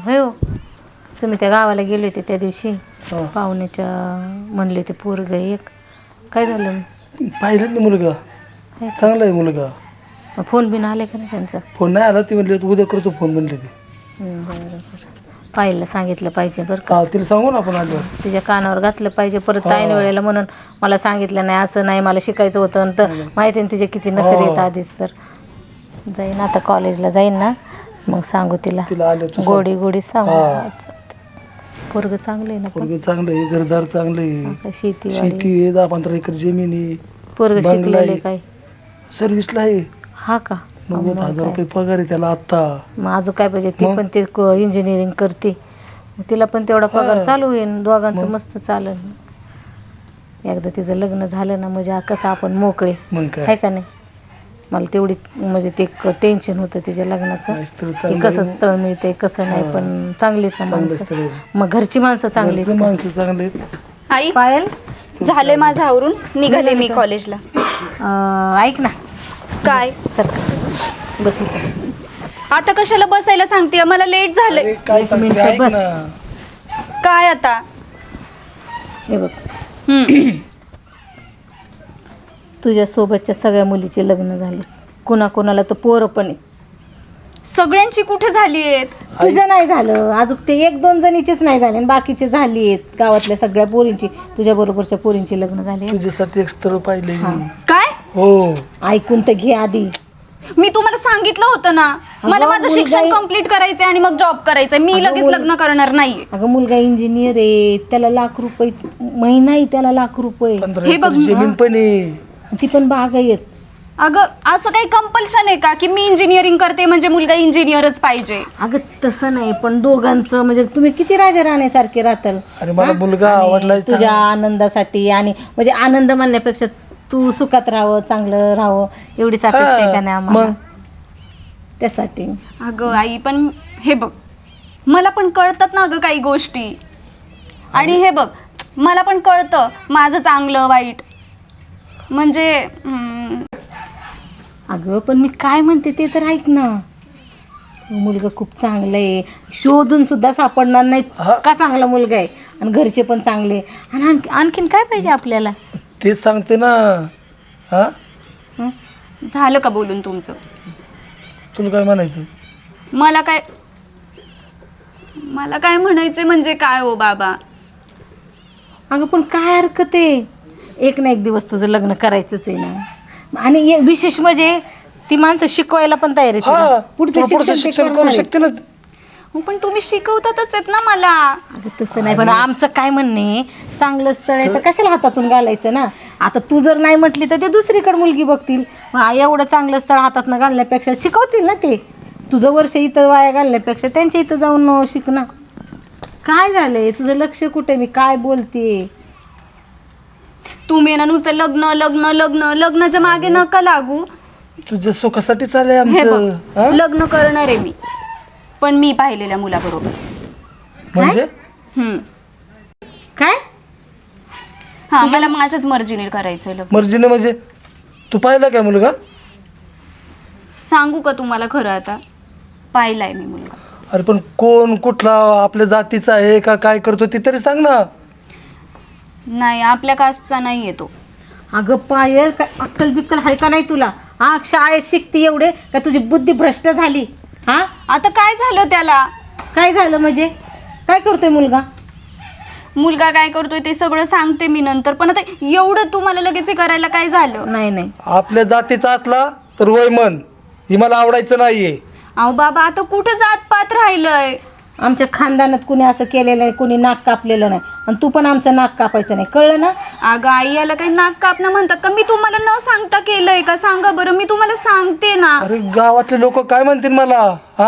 होय हो. तुम्ही त्या गावाला गेले होते त्या दिवशी पाहुण्याच्या म्हणले ते पोरग एक काय झालं? पाहिलं ना मुलगा चांगला आहे मुलगा. फोन बिन आले का नाही त्यांचा? फोन नाही आला. ती म्हणली उद्या करतो फोन म्हणले ते. बरं पाहिलं सांगितलं पाहिजे बरं का. तिला सांगू ना आपण आल्यावर. तिच्या कानावर घातलं पाहिजे परत ऐन वेळेला म्हणून मला सांगितलं नाही असं नाही मला शिकायचं होतं तर माहिती ना तिचे किती नखरे आहेत आधीच. तर जाईन आता कॉलेजला जाईन ना मग सांगू तिला गोडी गोडी सांगू. पोरग चांगलं आहे ना? पोरग चांगलं आहे घरदार चांगलं आहे शेती आहे 10-15 एकर जमीन आहे. पोरग शिकलेले काय? सर्व्हिसला आहे. हा का? 90,000 रुपये पगार आहे त्याला आता. मग अजून काय पाहिजे? ती पण ते इंजिनिअरिंग करते तिला पण तेवढा पगार चालू होईल दोघांचं मस्त चालेल. एकदा तिचं लग्न झालं ना म्हणजे कसं आपण मोकळे आहे का नाही. मला तेवढी म्हणजे ते टेन्शन होतं तिच्या लग्नाचं की कसं स्थळ मिळते कसं नाही पण चांगलीत ना माणसं. मग घरची माणसं चांगली माणसं चांगले. आई पायल झालंय माझं आवरून निघाले मी कॉलेजला. ऐक ना. काय सर बस इथे. आता कशाला बसायला सांगते मला लेट झालंय. एक मिनिट बस. काय आता हे बघ तुझ्या सोबतच्या सगळ्या मुलीचे लग्न झाले कोणाकोणाला तर पोरं पण आहेत. सगळ्यांची कुठे झाली आहेत? तुझं नाही झालं अजून ते 1-2 जणीचेच नाही झाले आणि बाकीचे झाली आहेत गावातल्या सगळ्या पोरींची तुझ्या बरोबरच्या पोरींची लग्न झाले. तुझ्यासाठी एक स्थळ पाहिले. काय? हो ऐकून तर घे आधी. मी तुम्हाला सांगितलं होतं ना मला माझं शिक्षण कंप्लीट करायचंय आणि मग जॉब करायचंय. मी लगेच लग्न करणार नाहीये. अगं मुलगा इंजिनियर आहे त्याला लाख रुपये महिना आहे त्याला लाख रुपये. हे बघ जमीन पण आहे ती पण बागायत. अगं असं काही कंपल्शन आहे का की मी इंजिनिअरिंग करते म्हणजे मुलगा इंजिनियरच पाहिजे? अगं तसं नाही पण दोघांचं म्हणजे तुम्ही किती राजा राहण्यासारखे राहताल. अरे मला मुलगा आवडला तुझ्या आनंदासाठी आणि म्हणजे आनंद म्हणण्यापेक्षा तू सुखात राहावं चांगलं राहावं एवढीच अपेक्षा आहे का नाही आम्हाला त्यासाठी. अगं आई पण हे बघ मला पण कळतात ना अगं काही गोष्टी आणि हे बघ मला पण कळतं माझं चांगलं वाईट म्हणजे अगं पण मी काय म्हणते ते तर ऐक ना. मुलगा खूप चांगला आहे शोधून सुद्धा सापडणार नाही का चांगला मुलगा आहे आणि घरचे पण चांगले आणि आणखीन काय पाहिजे आपल्याला तेच सांगते ना. झालं का बोलून तुमचं? तुला काय म्हणायचं? मला काय म्हणायचं म्हणजे काय हो बाबा. अगं पण काय हरकत आहे एक ना एक दिवस तुझं लग्न करायचंच आहे ना आणि विशेष म्हणजे ती माणसं शिकवायला पण तयार आहे पुढचं शिक्षण करू शकते ना. पण तुम्ही शिकवतातच आहेत ना मला. अगं तसं नाही पण आमचं काय म्हणणे चांगलं स्थळ आहे तर कशाला हातातून घालायचं ना. आता तू जर नाही म्हटली तर ते दुसरीकडे मुलगी बघतील. एवढं चांगलं स्थळ हातातनं घालण्यापेक्षा शिकवतील ना ते. तुझं वर्ष इथं वाया घालण्यापेक्षा त्यांच्या इथं जाऊन शिक ना. काय झालंय तुझं लक्ष कुठे मी काय बोलते. तुम्ही ना नुसतं लग्न लग्न लग्न लग्नाच्या मागे नका लागू. तुझ्या सुखासाठी चाललंय हे बघ आमचं. लग्न करणार आहे मी पण मी पाहिलेल्या मुलाबरोबर. म्हणजे काय? हा मला माझ्याच मर्जीने करायचंय लग्न. मर्जीने म्हणजे तू पाहिला काय मुलगा? सांगू का तुम्हाला खरं आता पाहिलाय मी मुलगा. अरे पण कोण कुठला आपल्या जातीचा आहे का काय करतो ते तरी सांग ना. नाही आपल्या कास्टचा नाही येतो. अगं पायल काय अक्कल बिक्कल आहे का नाही तुला? शाळेत शिकते एवढे का तुझी बुद्धी भ्रष्ट झाली? आता काय झालं त्याला? काय झालं म्हणजे काय करतोय मुलगा काय करतोय ते सगळं सांगते मी नंतर. पण आता एवढं तुम्हाला लगेच करायला काय झालं? नाही आपल्या जातीचा असला तर वय मन ही मला आवडायचं नाहीये. अहो बाबा आता कुठं जात पात राहिलंय. आमच्या खानदानात कुणी असं केलेलं नाही कुणी नाक कापलेलं नाही आणि तू पण आमचं नाक कापायचं नाही कळलं ना. अगं आई याला काही नाक कापणं म्हणतात का? मी तुम्हाला न सांगता केलंय का? सांगा बरं मी तुम्हाला सांगते ना. अरे गावातले लोक काय म्हणतील मला?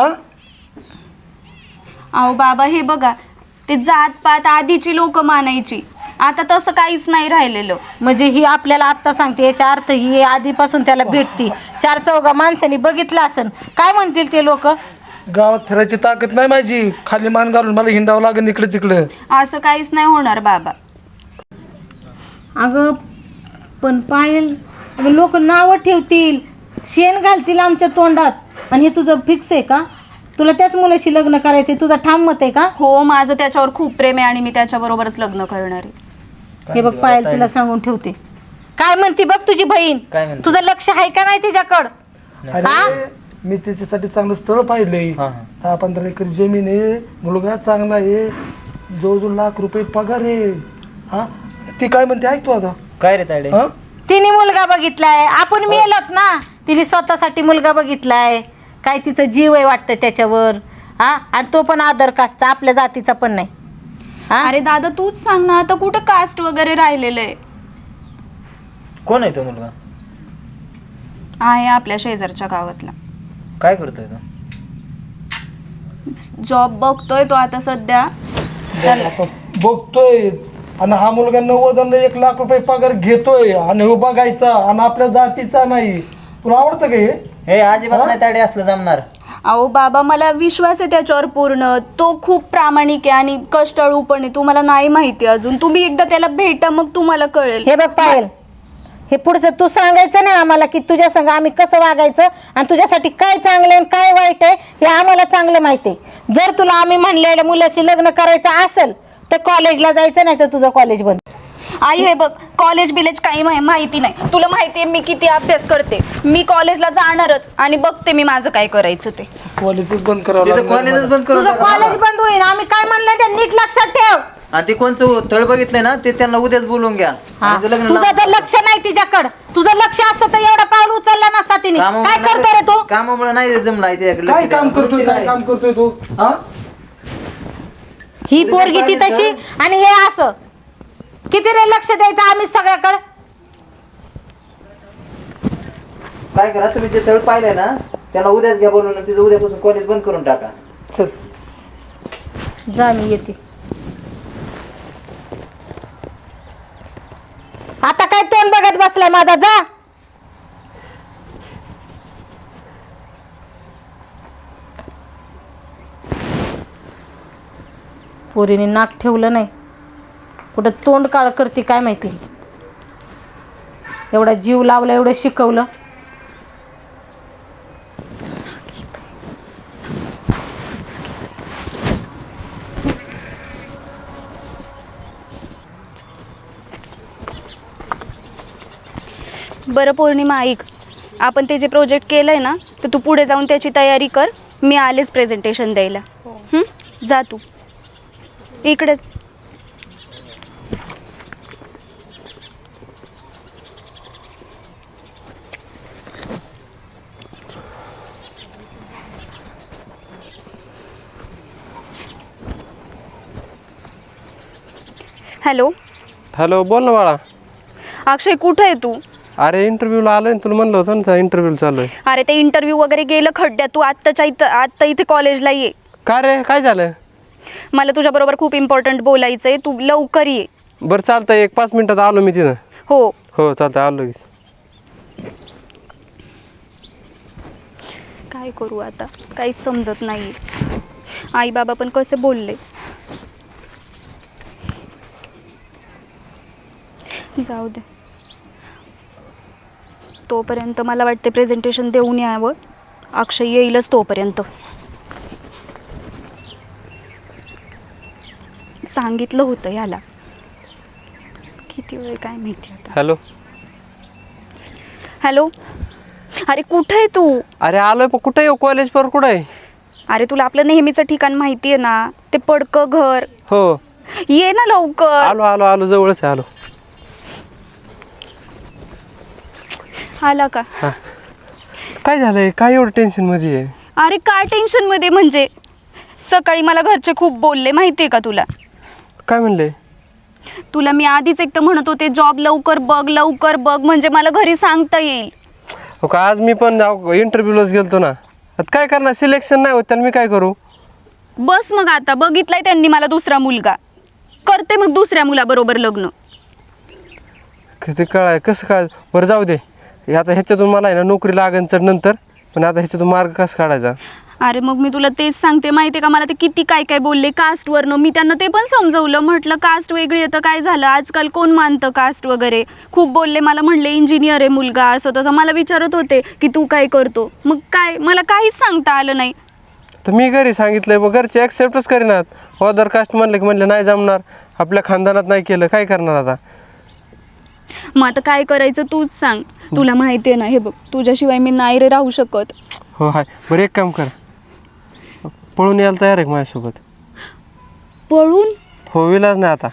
अहो बाबा हे बघा ते जात पात आधीची लोक मानायची आता तसं काहीच नाही राहिलेलं. म्हणजे ही आपल्याला आत्ता सांगते याचा अर्थ ही आधीपासून त्याला भेटती 4-4 माणसांनी बघितलं असन काय म्हणतील ते लोक? गावात फिरायची ताकद नाही माझी. खाली मान घालून मला हिंडावं लागेल इकडे तिकडे. असं काहीच नाही होणार बाबा. अगं पण पायल लोक नावं ठेवतील शेण घालतील आमच्या तोंडात आणि हे तुझं फिक्स आहे का? तुला त्याच मुलाशी लग्न करायचंय, तुझा ठाम मत आहे का? हो, माझं त्याच्यावर खूप प्रेम आहे आणि मी त्याच्याबरोबरच लग्न करणार आहे. हे बघ पायल, तुला सांगून ठेवते. काय म्हणते बघ तुझी बहीण, काय म्हणते? तुझं लक्ष आहे का नाही तिच्याकडं? अरे मी त्याच्यासाठी चांगलं स्थळ पाहिलंय. 10-15 एकर जमीन आहे, मुलगा चांगला आहे, जवळजवळ लाख रुपये पगार आहे. हा ती काय म्हणते ऐकतो आता. काय रे तायडे? हा तिने मुलगा बघितलाय, आपण मेलोच ना. तिने स्वतःसाठी मुलगा बघितलाय, काय तिचं जीव आहे वाटतं त्याच्यावर. हा, आणि तो पण आदर कास्टचा, आपल्या जातीचा पण नाही. हा, अरे दादा तूच सांग ना, आता कुठं कास्ट वगैरे राहिलेलं आहे? कोण आहे तो मुलगा? आहे आपल्या शेजारच्या गावातला. काय करतोय तो? जॉब बघतोय तो आता सध्या. आता बघतोय आणि हा मुलगा 90 1 लाख रुपये पगार घेतोय आणि हो बघायचा आणि आपल्या जातीचा नाही. तुला आवडतं का हे? हे अजिबात नाही तायडे असलं जमणार. अहो बाबा, मला विश्वास आहे त्याच्यावर पूर्ण. तो खूप प्रामाणिक आहे आणि कष्टाळू पण आहे. तुम्हाला नाही माहिती अजून, तुम्ही एकदा त्याला भेटा मग तुम्हाला कळेल. हे बघ पायल, हे पुढचं तू सांगायचं ना आम्हाला की तुझ्या संग आम्ही कसं वागायचं आणि तुझ्यासाठी काय चांगलं आणि काय वाईट आहे हे आम्हाला चांगलं माहिती आहे. जर तुला आम्ही म्हणलेल्या मुलाची लग्न करायचं असेल तर कॉलेजला जायचं, नाही तर तुझं कॉलेज बंद. आई हे बघ, कॉलेज बिलेज काही माहिती नाही. तुला माहिती आहे मी किती अभ्यास करते. मी कॉलेजला जाणारच आणि बघते मी माझं काय करायचं ते. कॉलेजच बंद करावं तिथं लागलं कॉलेजच मला. बंद करून तुझं टाका. कॉलेज बंद होईल. आम्ही काय म्हणलं ते नीट लक्षात ठेव. आणि ते कोणचं तळ बघितलंय ना ते त्यांना उद्याच बोलवून घ्या. हा, आणि ते लग्न तुझं जर लक्ष नाही तिच्याकडं, तुझं लक्ष असतं तर एवढा पाऊल उचलला नसता तिने. काय करतो रे तू? कामामुळे नाही जमला काय काम करतोय, काय काम करतोय तू? हा ही पोरगी ती तशी आणि हे असं. किती रे लक्ष द्यायचं आम्ही सगळ्याकडे. काय करा, तुम्ही जे तळ पाहिलंय ना त्याला उद्याच घ्या बोलवून. तिचं उद्यापासून कॉलेज बंद करून टाका. चल जा, मी येते. आता काय तोंड बघत बसलाय माझा? जा. पोरीने नाक ठेवलं नाही, कुठं तोंड काळ करते काय माहिती. एवढा जीव लावला, एवढं शिकवलं. बरं पौर्णिमा, ऐक, आपण ते जे प्रोजेक्ट केलं आहे ना तर तू पुढे जाऊन त्याची तयारी कर. मी आलेच प्रेझेंटेशन द्यायला. जा तू इकडेच. हॅलो हॅलो, बोल ना बाळा. अक्षय, कुठं आहे तू? अरे इंटरव्ह्यूला आलोय ना, तुला म्हणलं होतं ना इंटरव्ह्यू चालू आहे. अरे ते इंटरव्ह्यू वगैरे गेलं खड्ड्यात. तू आत्ता इथे कॉलेजला ये. काय रे, काय झालं? मला तुझ्याबरोबर खूप इम्पॉर्टंट बोलायचं आहे. तू लवकर ये. बरं चालतंय, 1-5 मिनिटात आलो मी तिथं. हो हो चालतंय, आलो लगेच. काय करू आता, काहीच समजत नाही. आई बाबा पण कसे बोलले. जाऊ दे, तोपर्यंत मला वाटते प्रेझेंटेशन देऊन यावं. अक्षय येईलच तोपर्यंत. सांगितलं होतं याला, किती वेळ काय माहिती आता. हॅलो. हॅलो, अरे कुठं आहे तू? अरे आलोय, पण कुठं येऊ? कॉलेज पर कुठं आहे? अरे तुला आपलं नेहमीचं ठिकाण माहिती आहे ना, ते पडकं घर. हो, ये ना लवकर. आलो आलो आलो, जवळच आहे, आलो. आला का? हा, काय झालंय? काय एवढं टेन्शन मध्ये आहे? अरे काय टेन्शन मध्ये म्हणजे, सकाळी मला घरचे खूप बोलले माहिती आहे का तुला? काय म्हणले? तुला मी आधीच एक तर म्हणत होते जॉब लवकर बघ म्हणजे मला घरी सांगता येईल. हो का, आज मी पण इंटरव्ह्यूलाच गेलतो ना. आता काय करणार, सिलेक्शन नाही होत, त्याला मी काय करू? बस मग आता बघितलाय त्यांनी मला दुसरा मुलगा. करते मग दुसऱ्या मुलाबरोबर लग्न. ते कळाय कसं काय? बरं जाऊ दे, आता ह्याच्यातून मला आहे ना नोकरी लागेल तर नंतर, पण आता ह्याच्यातून मार्ग कसा काढायचा? अरे मग मी तुला तेच सांगते, माहिती आहे का, मला ते किती काय बोलले कास्टवरनं. मी त्यांना ते पण समजवलं, म्हटलं कास्ट वेगळी आहे तर काय झालं, आजकाल कोण मानतं कास्ट वगैरे. खूप बोलले मला, म्हणले इंजिनियर आहे मुलगा, असं तसं. मला विचारत होते की तू काय करतो. मग काय, मला काहीच सांगता आलं नाही. तर मी घरी सांगितलंय मग घरचे ॲक्सेप्टच करीनात अदर कास्ट म्हणलं की म्हणलं नाही जमणार आपल्या खानदानात नाही केलं काय करणार आता. मग आता काय करायचं तूच सांग. तुला माहिती आहे ना, हे बघ तुझ्याशिवाय मी नाही रे राहू शकत. हो हाय बरं एक काम कर पळून यायला तयार आहे का माझ्यासोबत. पळून? हो विलाज नाही आता.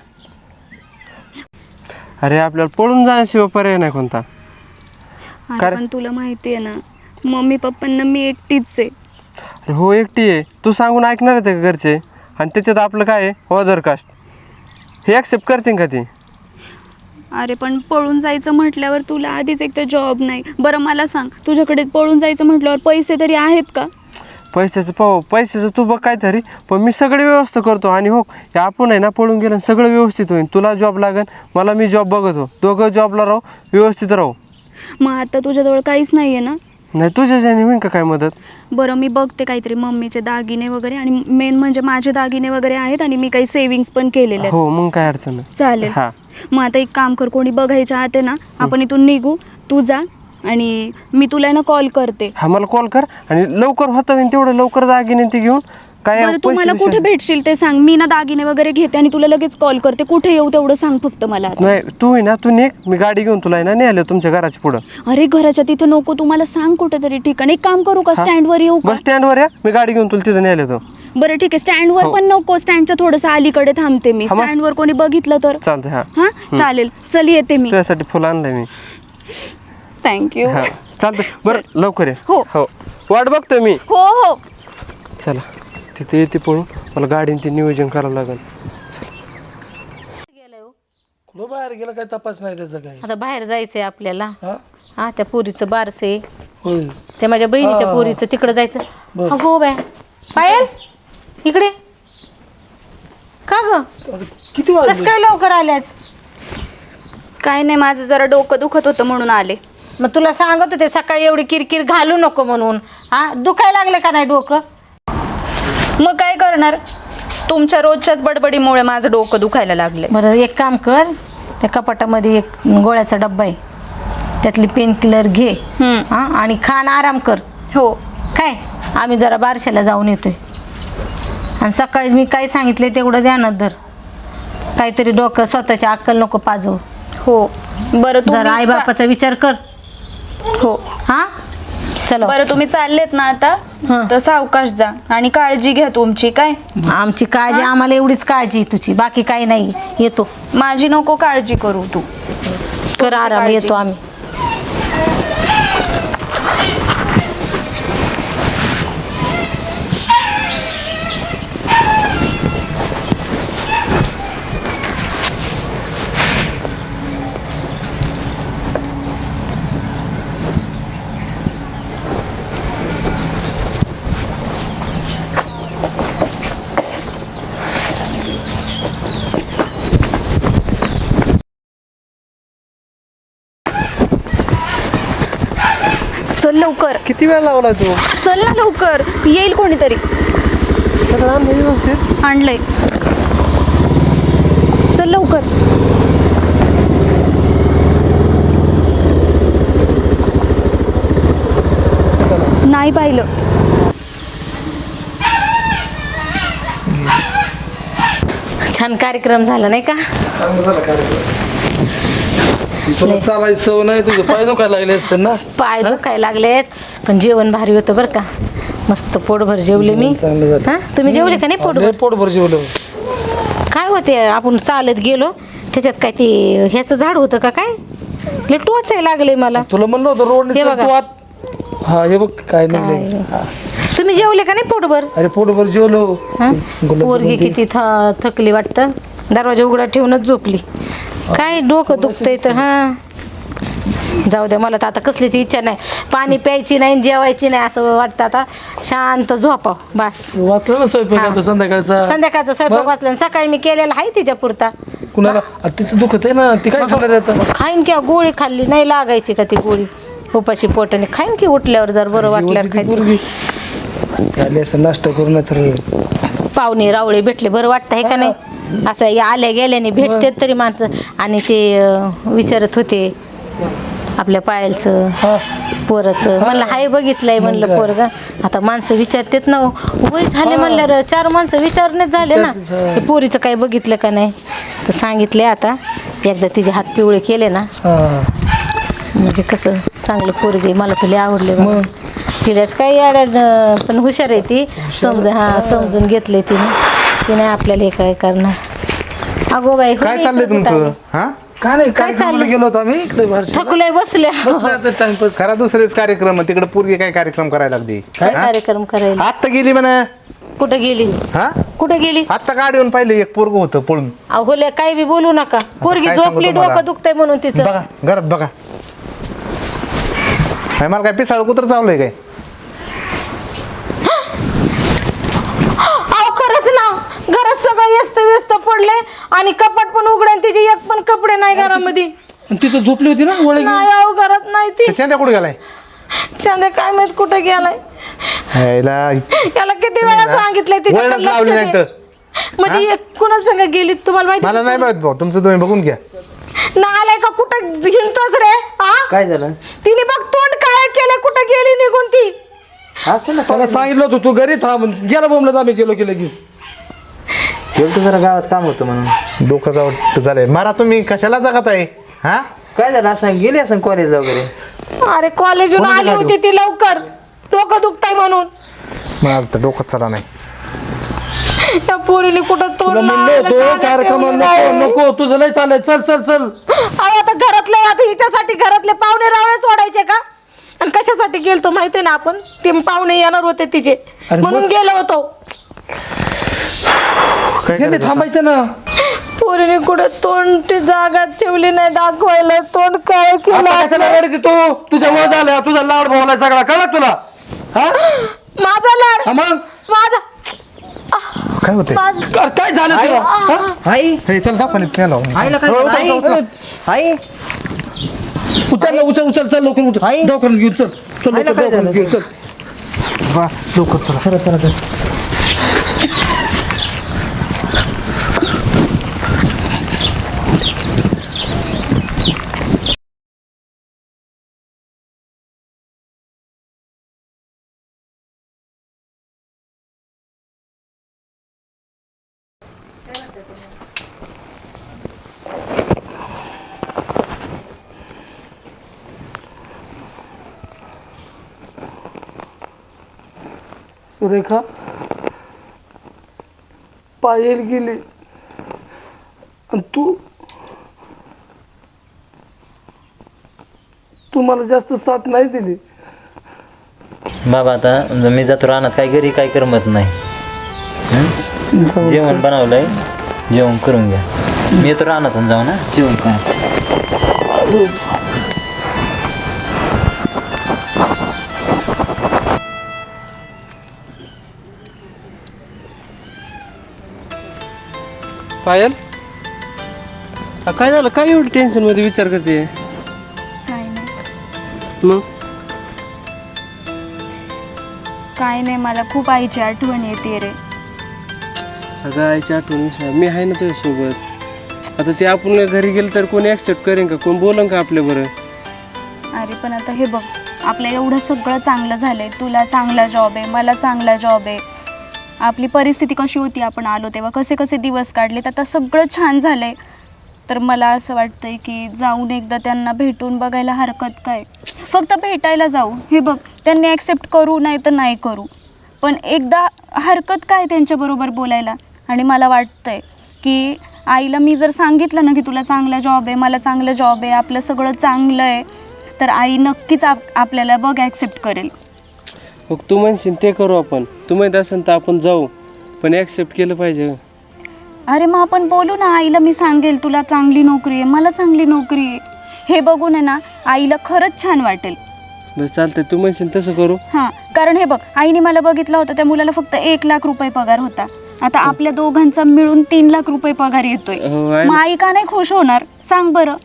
अरे आपल्याला पळून जाण्याशिवाय पर्याय नाही कोणता. अरे पण तुला माहिती आहे ना मम्मी पप्पांना मी एकटीच आहे. अरे हो एकटी आहे तू सांगून ऐकणार आहे का घरचे आणि त्याच्यात आपलं काय आहे अदर कास्ट हे ॲक्सेप्ट करतील का ती. अरे पण पळून जायचं म्हटल्यावर तुला आधीच एक तर जॉब नाही. बरं मला सांग तुझ्याकडे पळून जायचं म्हटल्यावर पैसे तरी आहेत का? पैशाचं तू बघ काय तरी पण मी सगळी व्यवस्था करतो आणि हो हे आपण आहे ना पळून गेलं सगळं व्यवस्थित होईल. तुला जॉब लागेल मला मी जॉब बघतो दोघं जॉबला राहू व्यवस्थित राहू. मग आता तुझ्याजवळ काहीच नाही आहे ना? नाही तुझ्याच्याने होईल का काय मदत. बरं मी बघते काहीतरी मम्मीचे दागिने वगैरे आणि मेन म्हणजे माझे दागिने वगैरे आहेत आणि मी काही सेविंग्स पण केलेले आहेत. हो मग काय अडचण नाही. चालेल. हा मग आता एक काम कर कोणी बघायच्या आत आहे ना आपण इथून निघू. तू जा आणि मी तुला ना कॉल करते. हा मला कॉल कर आणि लवकर होतं होईन तेवढं लवकर दागिने ती घेऊन काय बरं तू मला कुठे भेटशील ते सांग. मी ना दागिने वगैरे घेते आणि तुला लगेच कॉल करते. कुठे येऊ तेवढं सांग फक्त मला आता. नाही तू आहे ना तू निघ मी गाडी घेऊन तुला आहे ना नेलं तुमच्या घराच्या पुढं. अरे घराच्या तिथं नको तू मला सांग कुठेतरी ठिकाण. एक काम करू का स्टँडवर येऊ का? बस स्टँडवर या मी गाडी घेऊन तुला तिथं नेलं तो. बरं ठीक आहे स्टँडवर पण नको स्टँडच्या थोडंसं अलीकडे थांबते मी. हा, मस्त. स्टँडवर कोणी बघितलं तर. चालतंय हा हा चालेल चल येते मी. तुझ्यासाठी फुलं आणलंय मी. थँक्यू. हा चालतंय बरं लवकर ये. हो. हो वाट बघतोय मी. हो हो. चला तिथे येते पळून मला गाडीने ते नियोजन करावं लागेल. लो बाहेर गेला काय तपास नाही त्याचा काही. आता बाहेर जायचंय आपल्याला. हा हा त्या पोरीचं बारसे होय त्या माझ्या बहिणीच्या पोरीचं तिकडं जायचं. हो बाय पायल इकडे का ग किती कस वाजले. काय लवकर आल्याच. काय नाही माझं जरा डोकं दुखत होतं म्हणून आले. मग तुला सांगत होते सकाळी एवढी किरकिर घालू नको म्हणून. हा दुखायला लागलं का नाही डोकं. मग काय करणार तुमच्या रोजच्याच बडबडीमुळे माझं डोकं दुखायला लागले. बरं एक काम कर त्या कपाटामध्ये एक गोळ्याचा डब्बा आहे त्यातली पेन किलर घे. हा आणि खान आराम कर. हो काय आम्ही जरा बारशाला जाऊन येतोय आणि सकाळी मी काय सांगितले तेवढं ध्यानात धर. काहीतरी डोकं स्वतःची अक्कल नको पाजवू. हो बरं जरा आई बापाचा विचार कर. हो हा चलो. बरं तुम्ही चाललेत ना आता हं. तर सावकाश जा आणि काळजी घ्या तुमची. काय आमची काळजी आम्हाला एवढीच काळजी तुझी बाकी काही नाही. येतो माझी नको काळजी करू तू. कर आराम काळजी. येतो आम्ही. चल लवकर किती वेळ लावला तू. चल ना लवकर येईल कोणीतरी. सगळं आणलंय व्यवस्थित. आणलंय चल लवकर. नाही पाहिलं. छान कार्यक्रम झाला नाही का. तुला चालायची सवय नाही तुझं पाय दुखायला लागले असते ना. पाय दुखायला लागलेत पण जेवण भारी होतं बरं का. मस्त पोटभर जेवले मी. चांगलं झालं. हा तुम्ही जेवले का नाही लय पोटभर. पोटभर जेवलं. काय होते आपण चालत गेलो त्याच्यात काय ते ह्याचं झाड होतं का काय लय टोचायला लागले मला. तुला म्हणलं होतं रोडने हे चल बघा. तू आत. हा हे बघ काय नाही. तुम्ही जेवले का नाही पोटभर. अरे पोटभर जेवलो. हा? गुलाब पोरगी जामुन किती थकली वाटतं. दरवाजा उघडा ठेवूनच झोपली. काय डोकं दुखतंय तर. हा जाऊ द्या मला तर आता कसलीच इच्छा नाही. पाणी प्यायची नाही जेवायची नाही असं वाटतं आता शांत झोपाव बस. वाचलं ना स्वयंपाक आता संध्याकाळचा. संध्याकाळचा स्वयंपाक वाचला आणि सकाळी मी केलेला आहे तिच्या पुरता. कुणाला आता तिचं दुखत आहे ना ती काय खाणार आहे आता. खाईन की गोळी खाल्ली नाही लागायची का ती गोळी उपाशी पोटाने खाईन की उठल्यावर जर बरं वाटल्यावर ती खाईन. पोरगी. आली असं नाश्ता करून तर पाहुणे रावळे भेटले बरं वाटतं आहे का नाही. असं या आल्या गेल्याने भेटतात तरी माणसं आणि ते विचारत होते आपल्या पायलचं हा पोराचं म्हणलं हाय बघितलंय म्हणलं पोरग. आता माणसं विचारतात ना, वय झाले म्हणलं 4 माणसं विचारण्यात झाले ना हे पोरीचं काय बघितलं का नाही. तर सांगितले आता एकदा तिचे हात पिवळे केले ना हा म्हणजे कसं चांगलं पोरगे मला तर लय आवडले बाबा. तिलाच काही पण हुशार आहे ती, समजून घेतले तिने आपल्याला हे काय करणार. अगो बाई काय चाललंय तुमचं? हा काय नाही, काय काय चाललंय? गेलो होतो आम्ही इकडे थकलोय बसले. टाइमपास. खरा दुसरेच कार्यक्रम तिकडे पोरगी काय कार्यक्रम करायला लागली. काय कार्यक्रम करायला? आत्ता गेली म्हणा. कुठं गेली? हा कुठं गेली? आत्ता गाडीवरून पाहिलं एक पोरग होतं पळून. अहोले काही बी बोलू नका. पोरगी काय सांगू झोपली, तुम्हाला? डोकं दुखतंय म्हणून तिचं. बघा घरात बघा. काय मला काय पिसाळ कुत्र चावलंय काय? अहो खरंच ना, घरात सगळं व्यस्त पडले आणि कपाट पण उघडे, तिचे एक पण कपडे नाही घरामध्ये. आणि तिथं झोपली होती ना वळे नाही अहो घरात नाही ती. त्याच्या कुठे गेलाय? चांदे काय माहित कुठे गेलाय. ह्याला याला किती वेळा सांगितलंय तिच्याकडे वळणच लक्ष लावली दे. नाही तर. म्हणजे एक कुणा संग गेली तुम्हाला माहिती? मला नाही माहित भाऊ, तुमचं तुम्ही बघून घ्या. ना आलाय का कुठं हिंडतोस रे? हा काय झालं तिने बघ तोंड काय केलं, कुठं गेली निघून ती. असं ना त्याला सांगितलं होतं तू घरी थांब, गेला बोंबलत आम्ही गेलो की लगेच. गेलतो जरा गावात काम होतं म्हणून. डोकं जावं झालंय. मारा तुम्ही कशाला जगत आहे? हा काय झालं असं गेली असं कॉलेजला वगैरे? अरे कॉलेजून आली होती ती लवकर, डोकं दुखताय म्हणून. माझं तर डोकं चला नाही. त्या पोरीने कुठं तोंड तुला म्हणलं लावलं, होतं जागा कार्यक्रम ठेवली नको नाही. नको, तुझं लय चाललंय, चल चल चल. अहो आता हिच्यासाठी घरातले पाहुणे रावळे सोडायचे का? आणि कशासाठी गेलतो माहितीये ना आपण? ते पाहुणे येणार होते तिचे अरे म्हणून बस. गेलो होतो. काय हे नाही थांबायचं ना. पोरीने कुठं तोंड जागा ठेवली नाही दाखवायला, तोंड काय केलं आता कशाला असलं? रडते तू? तुझ्या मुळे झालं, तुझा लाड भावलाय सगळा, कळलं तुला? हा माझा लाड, हा मग माझा काय होतंय? काय झालं तुला? हा? आई हे चल दवाखान्यात न्यायला लावू. आईला काय झालं? आई उचल उचल चल लवकर उचल. आई. दवाखान्यात घेऊन चल. चल आईला लवकर काय झालं? दवाखान्यात घेऊन चल. वा, लवकर चला. खरं सुरेखा पायल गेली आणि तू मला जास्त साथ नाही दिली. बाबा आता मी जातो रानात, काय घरी काय करमत नाही. जेवण बनवलंय, जेवण करून घ्या. मी येतो रानातून जाऊ ना, जेवण काय. पायल काय झालं? काय एवढं टेन्शन मध्ये विचार करते? काय नाही, मग काय नाही, मला खूप आईची आठवण येते रे. अगं आईची आठवण विसर, मी आहे ना तुझ्यासोबत. आता ते आपण घरी गेलं तर कोणी ॲक्सेप्ट करेन का? कोण बोलन का आपल्या बरं? अरे पण आता हे बघ, आपलं एवढं सगळं चांगलं झालंय. तुला चांगला जॉब आहे, मला चांगला जॉब आहे. आपली परिस्थिती कशी होती, आपण आलो तेव्हा कसे कसे दिवस काढलेत, आता सगळं छान झालंय. तर मला असं वाटतंय की जाऊन एकदा त्यांना भेटून बघायला हरकत काय. फक्त भेटायला जाऊ. हे बघ, त्यांनी ॲक्सेप्ट करू नाही तर नाही करू, पण एकदा हरकत काय त्यांच्याबरोबर बोलायला. आणि मला वाटतंय की आईला मी जर सांगितलं ना की तुला चांगला जॉब आहे, मला चांगलं जॉब आहे, आपलं सगळं चांगलं आहे, तर आई नक्कीच आपल्याला बघ ॲक्सेप्ट करेल. मग तू म्हणशील ते करू आपण. तू म्हणत असेल तर आपण जाऊ, पण ॲक्सेप्ट केलं पाहिजे. अरे मग आपण बोलू ना, आईला मी सांगेल तुला चांगली नोकरी आहे, मला चांगली नोकरी आहे. हे बघून आहे ना आईला खरंच छान वाटेल. बरं चालतंय, तू म्हणशील तसं करू. हां, कारण हे बघ, आईने मला बघितलं होतं, त्या मुलाला फक्त 1,00,000 रुपये पगार होता. आता आपल्या दोघांचा मिळून 3,00,000 रुपये पगार येतोय. हो, आहे मग ना. आई का नाही खुश होणार सांग बरं.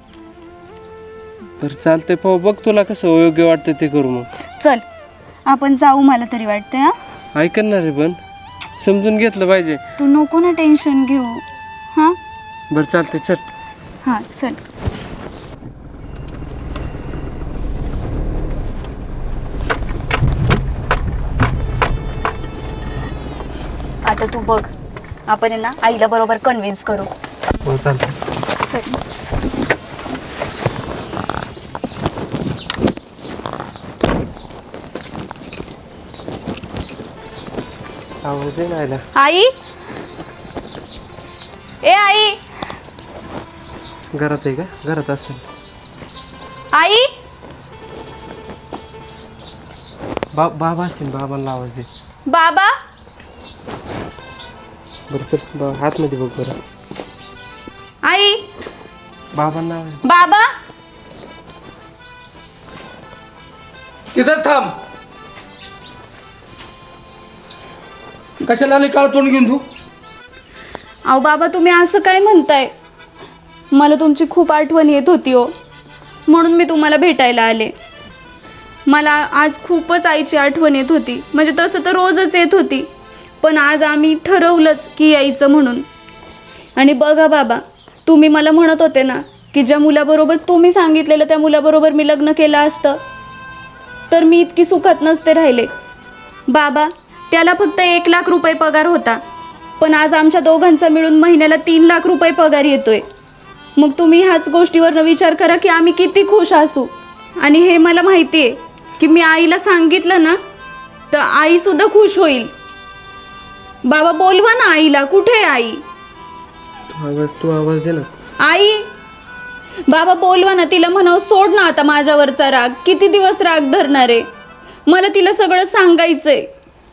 बरं चालतंय, पाहू बघ तुला कसं योग्य वाटतं ते करू. मग चल आपण जाऊ, मला तरी वाटतंय. हां, ऐकणार आहे, पण समजून घेतलं पाहिजे. तू नको ना टेन्शन घेऊ. हां बरं चालतंय, चल. हां चल. आता तू बघ, आपण आहे ना आईला बरोबर कन्व्हिन्स करू. हो चालतं. चल. आवाज दे ना आईला. आई, ए आई, घरात आहे का? घरात असेल. आई. बाबा असतील, बाबांना आवाज दे. बाबा. बरं चल, आतमध्ये बघ बरं. आई. बाबांना आवाज. बाबा. तिथंच थांब. कशाला आली काळ तोंड घेऊन तू? अहो बाबा, तुम्ही असं काय म्हणताय? मला तुमची खूप आठवण येत होती हो, म्हणून मी तुम्हाला भेटायला आले. मला आज खूपच आईची आठवण येत होती. म्हणजे तसं तर रोजच येत होती, पण आज आम्ही ठरवलंच की यायचं म्हणून. आणि बघा बाबा, तुम्ही मला म्हणत होते ना की ज्या मुलाबरोबर तुम्ही सांगितलेलं त्या मुलाबरोबर मी लग्न केलं असतं तर मी इतकी सुखात नसते राहिले. बाबा, त्याला फक्त 1 लाख रुपये पगार होता, पण आज आमच्या दोघांचा मिळून महिन्याला 3 लाख रुपये पगार येतोय. मग तुम्ही ह्याच गोष्टीवरनं विचार करा की आम्ही किती खुश असू. आणि हे मला माहिती आहे की मी आईला सांगितलं ना तर आईसुद्धा खुश होईल. बाबा बोलवा ना आईला. कुठे आहे आई? तू आवाज दे ना. आई. बाबा बोलवा ना तिला, म्हणावं सोड ना आता माझ्यावरचा राग. किती दिवस राग धरणार आहे? मला तिला सगळं सांगायचंय.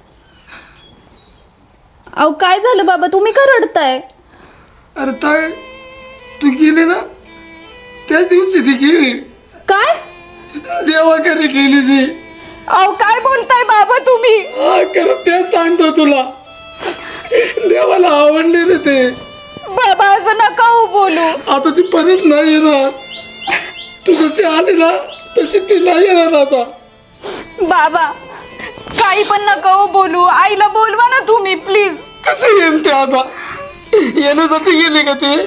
अहो काय झालं बाबा, तुम्ही का रडताय? अरे ताय, तू गेली ना त्याच दिवशी ती गेली. काय? देवाकडे गेली ती. अहो काय बोलताय बाबा तुम्ही? खरं तेच सांगतो तुला. देवाला आवडले रे ते. बाबा असं नका हो बोलू. आता ती परत नाही येणार. तू जशी आली ना तशी ती नाही येणार आता. बाबा काही पण नका हो बोलू. आईला बोलवा ना तुम्ही प्लीज. कसं येईन ते आता? येण्यासाठी गेली का ते?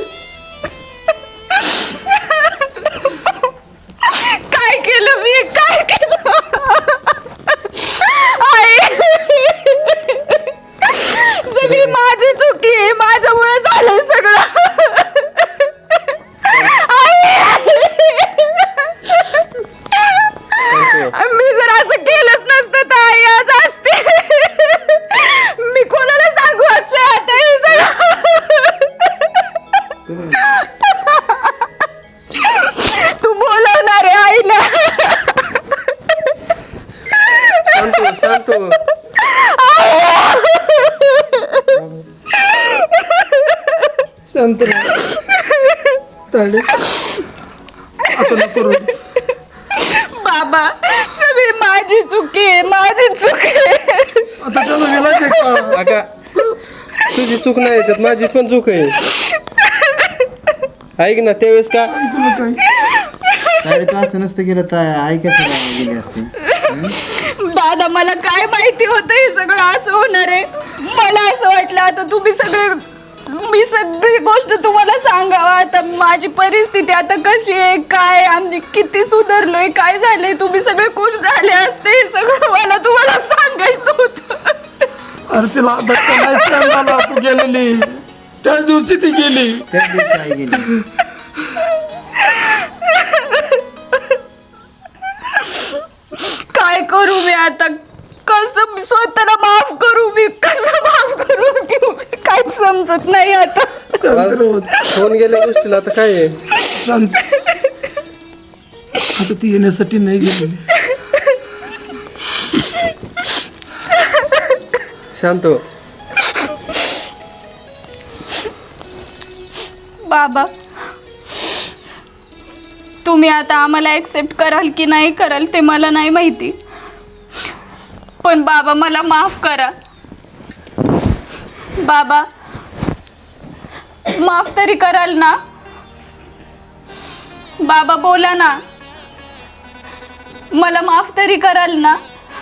काय केलं मी? काय केलं? आई, सगळी माझी चुकी आहे. माझ्यामुळे झालं सगळं. मी जर असं केलंच नसतं तर आई आज असते. मी कोणाला सांगू आता हे सगळं? तू बोलवणार आहे आईला? शांत हो. शांत राहा. ताडे, आता नको रडू. बाबा सगळी माझी चुकी आहे. माझी चुकी आहे. आता त्याला गेला का? अगा, तुझी चूक नाही याच्यात, माझी पण चूक आहे. ऐक ना, त्यावेळेस का तुला काय? ताडे, तू असं नसतं केलं तर आई कसं काय गेली असते? दादा मला काय माहिती होतं हे सगळं असं होणार आहे. मला असं वाटलं आता मी सगळी गोष्ट तुम्हाला सांगावं. आता माझी परिस्थिती आता कशी आहे, काय आम्ही किती सुधारलोय, काय झालंय, तुम्ही सगळे खुश झाले असते. हे सगळं मला तुम्हाला सांगायचं होतं. अरे तिला धक्का नाही सहन झाला. तू गेलेली त्याच दिवशी ती गेली. त्याच दिवशी आई गेली. काय करू मी आता? कसं स्वतःला माफ करू मी? कसं माफ करू मी? काहीच समजत नाही आता. फोन गेल्या गोष्टीला आता काय आहे? शांत. आता ती येण्यासाठी नाही गेली. शांत हो. बाबा तुम्ही आता आम्हाला ॲक्सेप्ट कराल की नाही कराल ते मला नाही माहिती, पण बाबा मला माफ करा. बाबा माफ तरी कराल ना? बाबा बोला ना, मला माफ तरी कराल ना?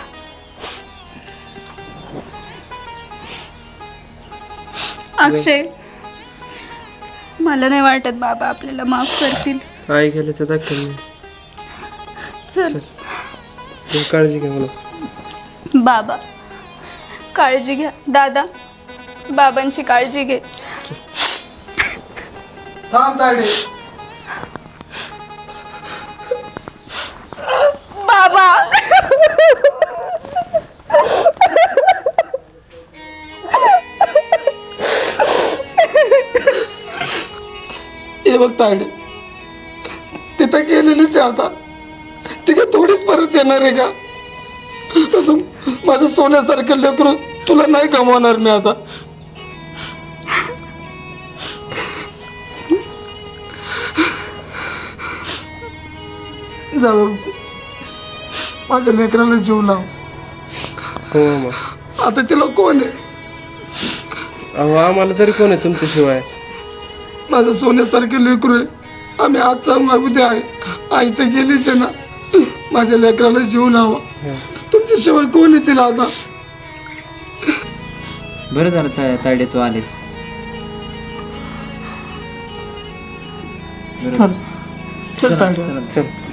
अक्षय, मला नाही वाटत बाबा आपल्याला माफ करतील. आई गेल्याचा दाखल नाही. चल तू काळजी घ्या मला. बाबा काळजी घ्या. दादा बाबांची काळजी घे. थांब तायडे. बाबा हे बघ तायडे, तिथं गेलेलीच आहे आता. ती काय थोडीच परत येणार आहे का? असं माझं सोन्यासारखं लेकरू तुला नाही गमावणार मी आता. जाऊ माझ्या लेकराला जीव लाव. हो मग. आता तिला कोण आहे? अहो आम्हाला तरी कोण आहे तुमच्याशिवाय? माझं सोन्यासारखे लेकरू आहे. आम्ही आजचा उद्या आहे. आई तर गेलीच आहे ना. माझ्या लेकराला जीव लावा. तुमच्याशिवाय कोण आहे तिला आता? बरं झालं तायडे तू आलीस. चल चल तायडे. चल